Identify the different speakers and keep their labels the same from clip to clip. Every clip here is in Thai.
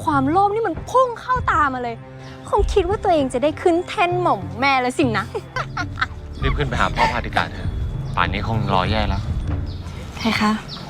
Speaker 1: ความโลภนี่มันพุ่งเข้าตามาเลยคงคิดว่าตัวเองจะได้ขึ้นแท่นหม่อมแม่แล้วสินะ
Speaker 2: รีบขึ้นไปหาพ่อพาธิกาเถอะป่านนี้คงรอแย่แล้ว
Speaker 1: ใช่คะ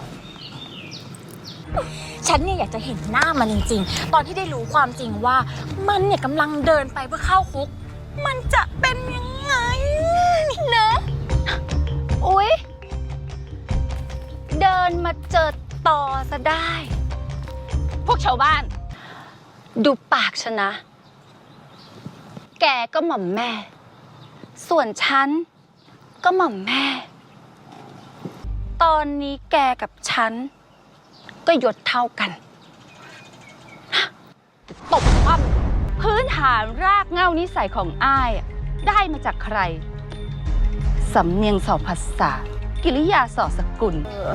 Speaker 3: ฉันเนี่ยอยากจะเห็นหน้ามันจริงๆ ตอนที่ได้รู้ความจริงว่ามันเนี่ยกำลังเดินไปเพื่อเข้าคุก มันจะเป็นยังไงนะอุ๊ยเดินมาเจอต่อซะได้ พวกชาวบ้าน ดูปากฉันนะ แกก็หม่อมแม่ ส่วนฉันก็หม่อมแม่ ตอนนี้แกกับฉันก็ยศเท่ากันตบคว่ำพื้นฐานรากเหง้านิสัยของอ้ายได้มาจากใคร สำเนียงสอภาษา กิริยาสอสกุล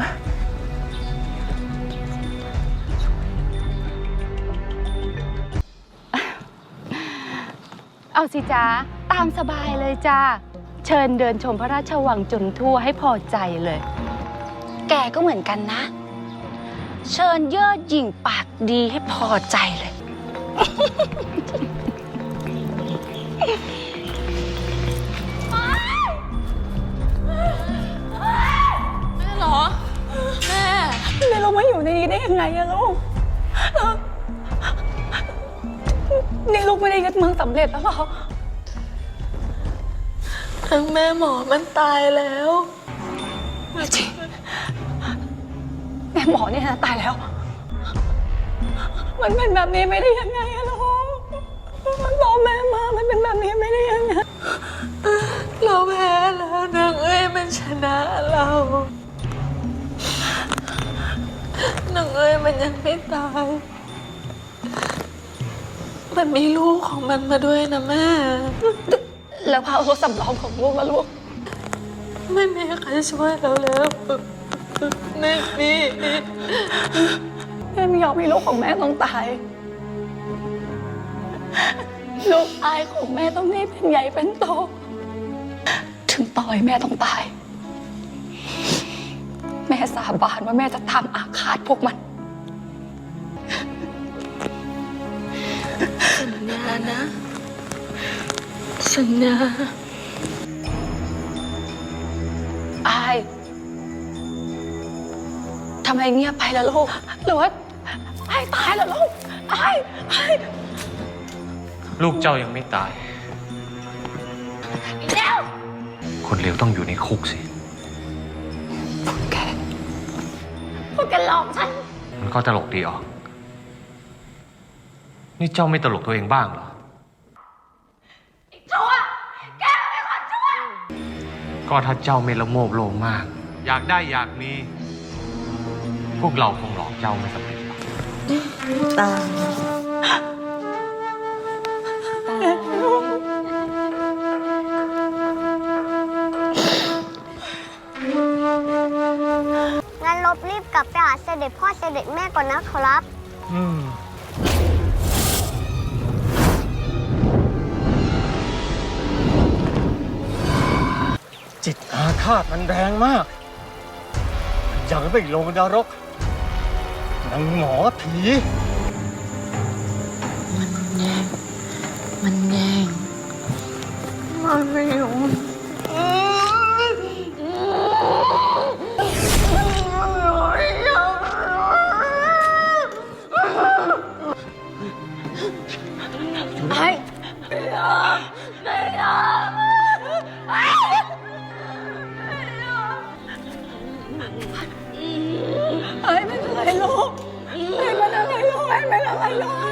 Speaker 3: เอาสิจ้าตามสบายเลยจ้าเชิญเดินชมพระราชวังจนทั่วให้พอใจเลย แกก็เหมือนกันนะ เชิญเย่อหยิ่งปากดีให้พอใจเลย
Speaker 1: แม่เหรอแม่เรามาอยู่ในนี้ได้ยังไงอะลูกนี่ลูกไม่ได้ยึดเมืองสำเร็จแล้วหรอทั้งแม่หมอมันตายแล้วจริงแม่หมอเนี่ยนะตายแล้วมันเป็นแบบนี้ไม่ได้ยังไงอะลูกมันบอกแม่มามันเป็นแบบนี้ไม่ได้ยังไงเราแพ้แล้วนางเอ้ยมันชนะเรานางเอ้ยมันยังไม่ตายมันมีลูกของมันมาด้วยนะแม่แล้วพาเอาสำรองของลูกมาลูกไม่มีใครช่วยเราแล้วไม่มีแม่ไม่ยอมให้ลูกของแม่ต้องตายลูกชายของแม่ต้องนี่เป็นใหญ่เป็นโตถึงต่อยแม่ต้องตายแม่สาบานว่าแม่จะทำอาฆาตพวกมันสัญญานะสัญญาอายทำไมเงียบไปล่ะลูกหรือว่าอายตายแล้วลูกอาย
Speaker 2: ลูกเจ้ายังไม่ตาย
Speaker 3: แล้ว
Speaker 2: คนเลวต้องอยู่ในคุกสิ
Speaker 3: พวกแกหลอกฉัน
Speaker 2: มันก็ตลกดีออกนี่เจ้าไม่ตลกตัวเองบ้างเหรอ
Speaker 3: ชั่วแกเป็นคนชั่ว
Speaker 2: ก็ถ้าเจ้าไม่ละโมบโลภมากอยากได้อยากมีพวกเราคงหลอกเจ้าไม่สำเร็จหรอก
Speaker 1: ตา
Speaker 4: งั้นลบรีบกลับไปหาเสด็จพ่อเสด็จแม่ก่อนนะขอรับ
Speaker 5: จิตอาฆาตมันแรงมากอยากไปลงนรกนางหมอผี
Speaker 1: มันแย่งมันไม่ยอมไอ้ไม่เป็นไรลูกไม่เป็นอะไรลูกไม่เป็นอะไรลูก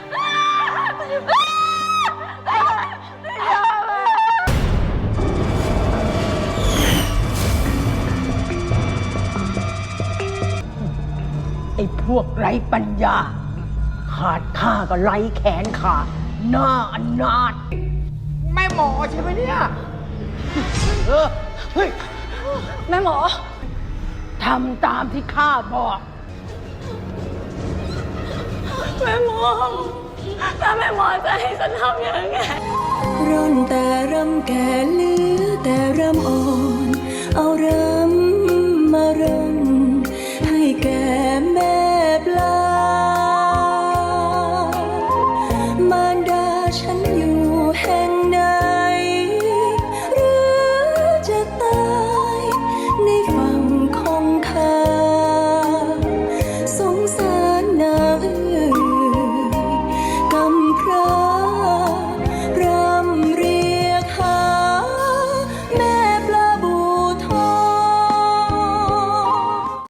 Speaker 6: ไอ้พวกไร้ปัญญาขาดข้าก็ไร้แขนขาดหน้าอนาถแม่หมอใช่ไหมเนี่ยเฮ้ย
Speaker 1: แม่หมอ
Speaker 6: ทำตามที่ข้าบอก
Speaker 1: แม่หมอถ้าแม่หมอจะให้ฉันทำยังไง
Speaker 7: ร่อนแต่รำแก่เหลือแต่รำอ่อนเอาเริ่